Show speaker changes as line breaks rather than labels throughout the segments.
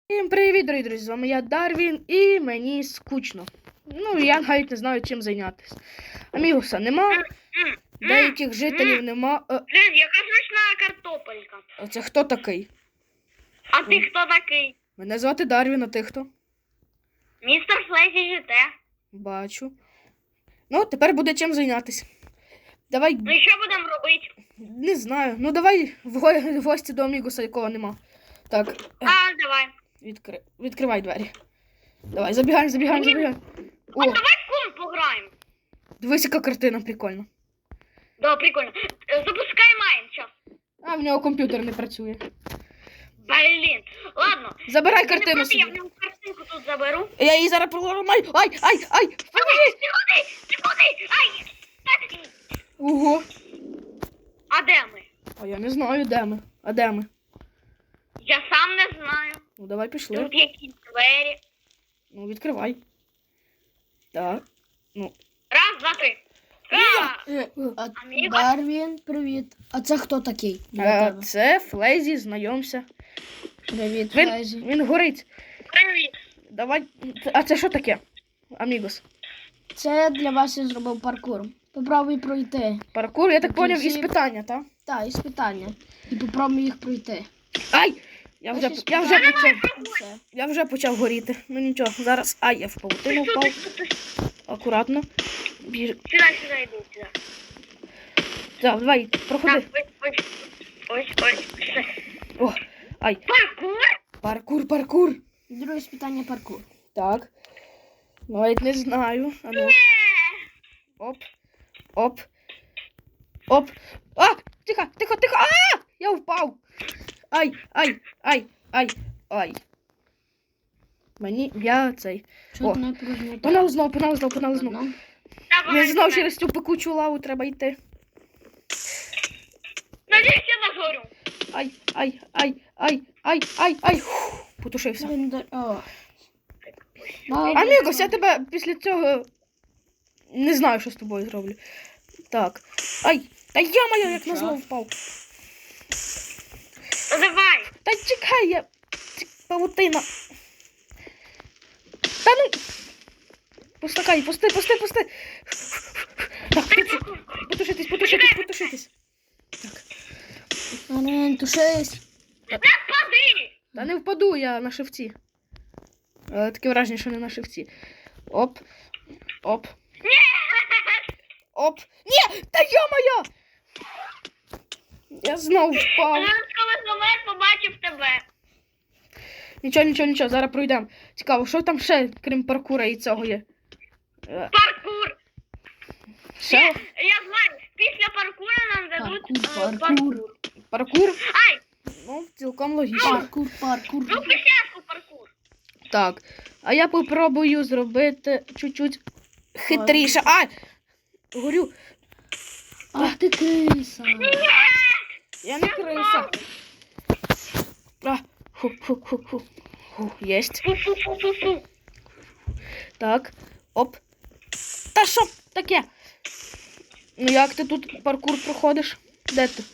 Всім привіт, дорогі друзі, з вами я Дарвін і мені скучно. Ну, я навіть не знаю, чим зайнятися. Амігуса нема, деяких жителів нема.
Блін, яка смачна картопелька.
А це хто такий?
А ти хто такий?
Мене звати Дарвін, а ти хто?
Містер Флезі ЖТ.
Бачу. Ну, тепер буде чим зайнятися. Давай,
Ну і що будемо робити?
не знаю, ну давай в гості до Амігуса, якого нема. Так,
Давай.
відкривай двері. Давай, забігаємо.
А давай в кум пограємо.
Дивись, яка картина прикольна.
Да, прикольно. Запускай майн, час.
А, в нього комп'ютер не працює.
Блін. Ладно.
Забирай
Ти не
картину
проти,
собі.
я в нього картинку тут заберу.
Я її зараз проламаю. Ай!
Ти куди? Ай!
Ого.
А де ми?
А я не знаю, де ми. А де ми?
Я сам не знаю.
Ну, давай пішли.
Тут якісь двері.
Ну, відкривай. Так.
Раз, два, три. Амігос?
Дарвін, привіт. А це хто такий? Для тебе?
Це Флезі, знайомся.
Привіт, Флезі.
Він горить.
Привіт.
Давай. А це що таке? Амігос.
Це для вас я зробив паркур. Попробуй пройти.
Паркур, я так
Такі
поняв,
всі-
іспитання, так?
Так, і питання. І попробуй їх пройти.
Ай! Я вже
Все.
почав горіти. Ну нічого, зараз. Ай, я в паутину впав. Акуратно.
Сюди, йди, сюди.
Так, давай, проходи.
Так, ось. Все.
О, ай. Паркур.
Друге питання паркур.
Так. Навіть не знаю. А ну. Оп. А! Тихо. А! Я впав. Ай. Я цей.
Що
О,
ти не пружний?
Погнали знов.
Давай,
Я знов через цю пекучу лаву треба йти.
Надіюсь, я не горю.
Ай. Фух, потушився.
О.
Амігос, я тебе після цього не знаю, що з тобою зроблю. Так. Ай, та я як назло впав.
Ну, давай.
Та чекай, я... Павутина. Та ну... Пусти. Так, потушитись. Так.
Дарвін, тушись.
Не впади.
Та не впаду, я на шивці. Таке враження, що не на шивці. Оп. Ні! Та йо-моє! Я знов впав.
Зараз, коли знову побачив тебе.
Нічого, зараз пройдемо. Цікаво, що там ще, крім паркура і цього є?
Паркур.
Ще?
Я знаю, після паркура нам дадуть паркур.
Паркур?
Ай,
Ну, цілком логічно.
Паркур.
ну спочатку паркур.
Так, а я попробую зробити чуть-чуть хитріше. Ай! Горю.
Ах ти криса.
Я не криса. Фу. Єсть.
Фу.
Так. Оп. Та що таке? Ну як ти тут паркур проходиш? Де ти?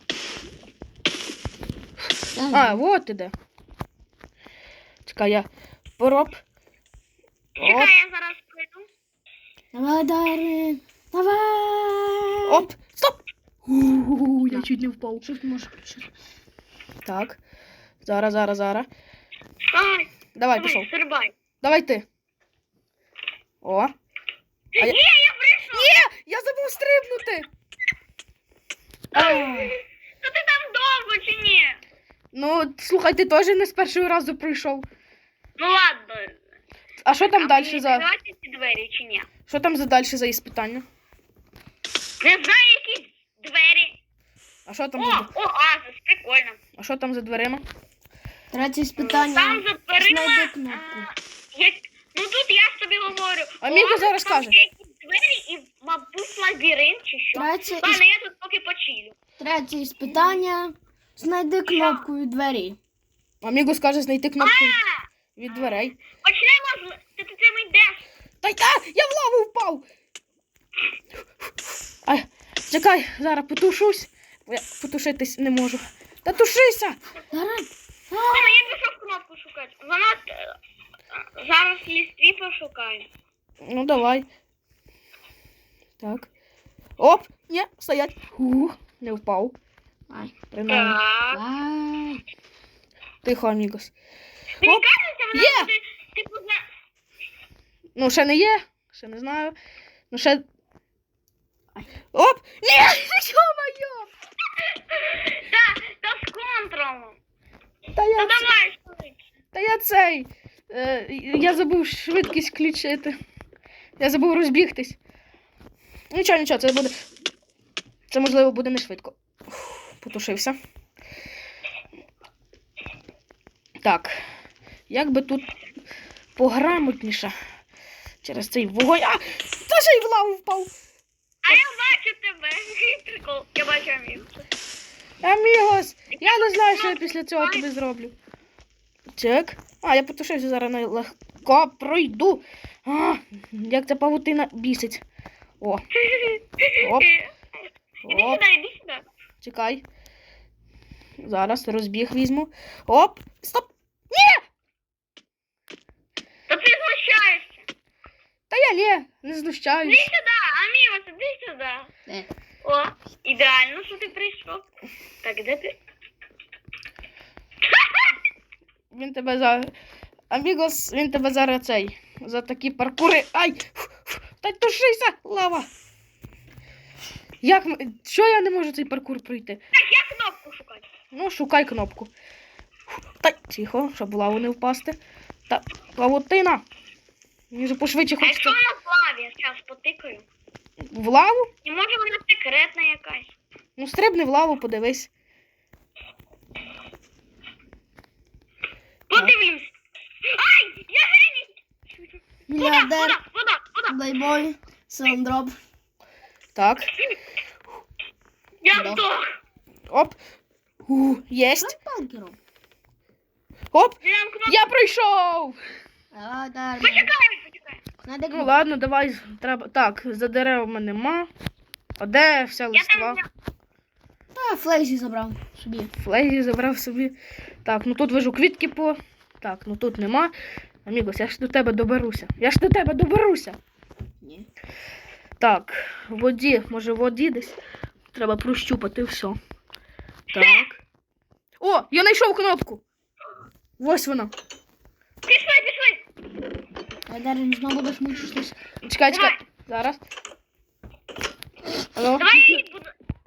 А, вот ти де. Чекай, я пороб.
Чекай, я зараз прийду.
Давай, Дарвін. Давай.
Оп! Стоп! Я чуть не впав.
Що ти можеш включити?
Так. Зараз.
Давай,
Давай, пішов.
стрибай.
Давай ти. О.
Ні, я прийшов.
Ні! Я забув стрибнути!
То ти там довго чи ні?
Ну, слухай, ти теж не з першого разу прийшов.
Ну ладно.
А що там далі
мені
за...
відкривати ці двері чи ні?
Що там за далі за іспитання?
Не знаю, які двері.
А що там
О,
за...
оазис, прикольно.
А що там за дверима?
Третє питання.
Там за дверима...
Знайди кнопку.
Ну тут я ж тобі говорю.
Аміго
оазис,
зараз
там
каже.
ще якісь двері і, мабуть, лабіринт чи що. Ладно, я тут поки почилю.
Третє питання. Знайди кнопку від двері.
Аміго скаже знайти кнопку від дверей.
Почнемо з... Ти цим йдеш.
Я в лаву впав! Ай, чекай, зараз потушусь. Бо я потушитись не можу. Та тушися!
Дарвін.
Ладно, я пішов кнопку шукати. Вона зараз лістві пошукаю.
Ну, давай. Так. Оп! Ні, стоять. Ух, не впав.
Ай.
Принаймні.
Так.
Ай.
Тихо, амігос.
Мені
Оп.
кажеться, вона
Є!
буде, типу,
Ну, ще не є. Ще не знаю. Ну, ще... Оп! Ні! Ё-моё!
Та з контролом.
Та
Та
я,
давай швидше.
та я цей... Я забув швидкість включити. Я забув розбігтись. Нічого, нічого, це буде... Це, можливо, буде не швидко. Ух, потушився. Так. Як би тут пограмотніше через цей вогонь... А! Та ще й в лаву впав!
А я бачу тебе. Прикол. Я бачу Амігу.
Амігос! Я не знаю, що я після цього тобі зроблю. Так. А, я потушився, зараз легко пройду. А, як ця павутина бісить. О, Оп.
Іди
оп,
сюди, іди сюди.
чекай. Зараз розбіг візьму. Оп, стоп.
Та ти знущаєшся.
Та я не
Іди
знущаюсь.
сюди, Амігос, іди сюди.
Де?
О, ідеально, що ти прийшов. Так, де ти?
Він тебе за... Амігос, він тебе зараз цей... За такі паркури... Ай! Та тушися, лава! Як... Що я не можу цей паркур пройти?
Так, я кнопку шукаю.
Ну, шукай кнопку. Та тихо, щоб в лаву не впасти. Та павутина. Мені же пошвидше
А якщо
хочеться
вона в лаві, я зараз потикаю.
в лаву.
І може вона секретна якась.
Ну, стрибни в лаву, подивись.
Подивлюсь. Ай, я геній.
Мільярдер.
Вода.
Плейбой. Сандроп.
Так.
Я
Да.
здох.
Оп. Єсть.
Танкером.
Оп.
Я кнопку.
Я пройшов.
А, да.
Почекай.
Надо
Ну, ладно, давай. Треба... Так, за деревами нема. А де вся
Я
листва?
там
Та, Флейзі забрав собі.
Флейзі забрав собі. Так, ну тут вижу квітки по... Так, ну тут нема. Амігос, я ж до тебе доберуся.
Ні.
Так, в воді, може в воді десь. Треба прощупати все. Так. О, я знайшов кнопку. Ось вона.
Пішли.
Айдар, знову будеш мучитись.
Чекай. Зараз. Алло.
Давай я її буду.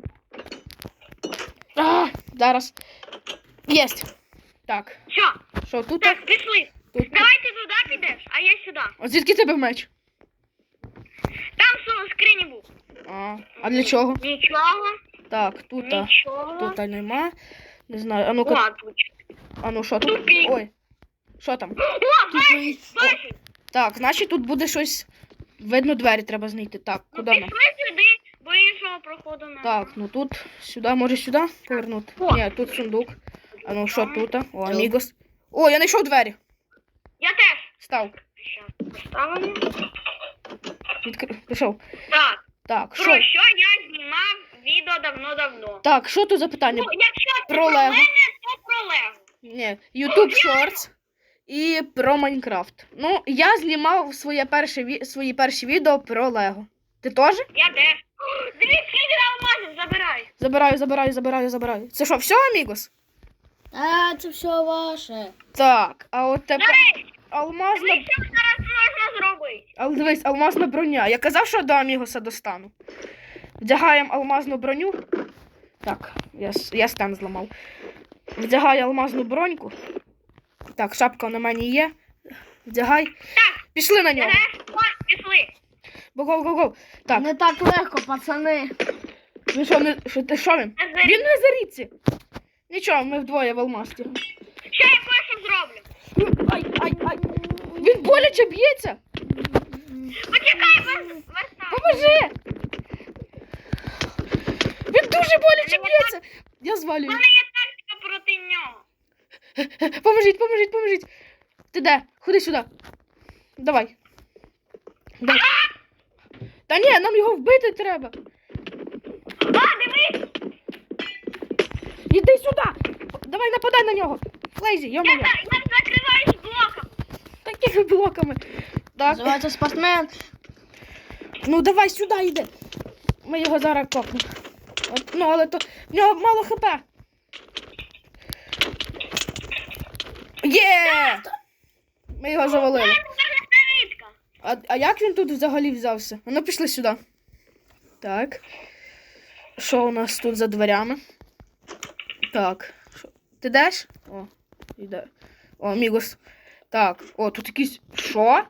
Зараз. Єсть. Так.
Все,
Що тут?
так, пішли.
Тут.
Давай ти туди підеш, а я сюди.
А звідки тебе меч?
Там в скрині був.
А для чого?
Нічого.
Так, тут.
Нічого.
Тут нема. Не знаю. А ну-ка.
О, тут.
А ну що тут?
Тупик.
Ой. Що там?
О,
Тупий.
бачиш.
Так, значить тут буде щось. Видно, двері треба знайти. Так,
Ну
куди нам?
пішли сюди, бо іншого проходу немає.
Так, ну тут, сюди, може сюди повернути?
О.
Ні, тут сундук. А ну що тут? О, амігос. О, я знайшов двері.
Я теж.
Став.
Щас поставимо.
Пішов.
Так,
Так,
про
що?
що я знімав відео давно-давно.
Так, що тут за питання?
Ну, якщо це
Про
про
Лего.
мене, то про Лего.
Ні, YouTube Shorts і про Майнкрафт. Ну, я знімав свої перші відео про Лего. Ти теж?
Я теж. Дивіться, скільки алмазів забирай.
Забираю. Це що, все, амігос?
А, це все ваше.
Так, а от тепер
Дивись,
алмазна...
дивись, що зараз можна зробити.
Але дивись, алмазна броня. Я казав, що до амігоса достану. Вдягаємо алмазну броню. Так, я стен зламав. Вдягаю алмазну броньку. Так, шапка на мені є. Вдягай. Пішли на нього.
Пішли.
Го. Так,
Не так легко, пацани.
ну що, що він? Він не заріться. Нічого, ми вдвоє в алмазці.
Ще я кое-що зроблю.
Ай. Він боляче б'ється.
Почекай,
Поможи. Він дуже боляче б'ється. Я
У
звалюю.
мене є тактика проти нього.
Поможіть. Ти де? Ходи сюди. Давай. Та ні, нам його вбити треба.
А, дивись.
Іди сюди. Давай нападай на нього. Флейзі, йо-моє.
Я закриваюсь блоком.
Такими блоками. Так,
Називається спортсмен.
ну давай сюди йди. Ми його зараз копнемо. От, ну, але то в нього мало хп. Є! Ми його завалили.
Рідка.
А як він тут взагалі взявся? Ну, пішли сюди. Так. Що у нас тут за дверями? Так. Ти йдеш? О, йде. О, Мігос. Так, о, тут якийсь. Що?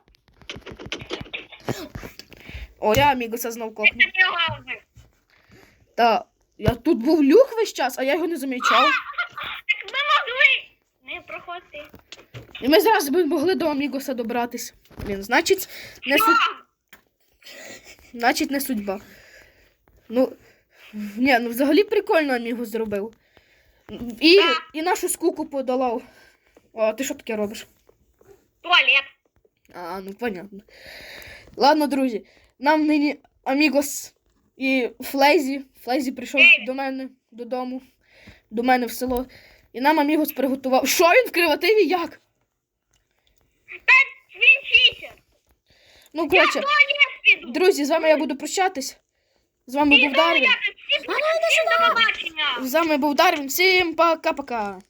О, я Мігоса знов копну.
Це його вбив.
Та, я тут був люк весь час, а я його не замічав.
Так ми могли не проходити.
І ми зараз би могли до Амігоса добратись. Блін, значить, не судьба. Ну, ні, ну взагалі прикольно Амігос зробив. І нашу скуку подолав. О, а ти що таке робиш?
Туалет.
А, ну понятно. Ладно, друзі, нам нині Амігос і Флейзі прийшов до мене додому, до мене в село. І нам Амігос приготував. Що він в креативі? Як?
Він читер.
Ну, коротше,
Я в туалет піду.
друзі, з вами я буду прощатись. З вами був Дарвін.
Всім до побачення.
З вами був Дарвін. Всім пока-пока.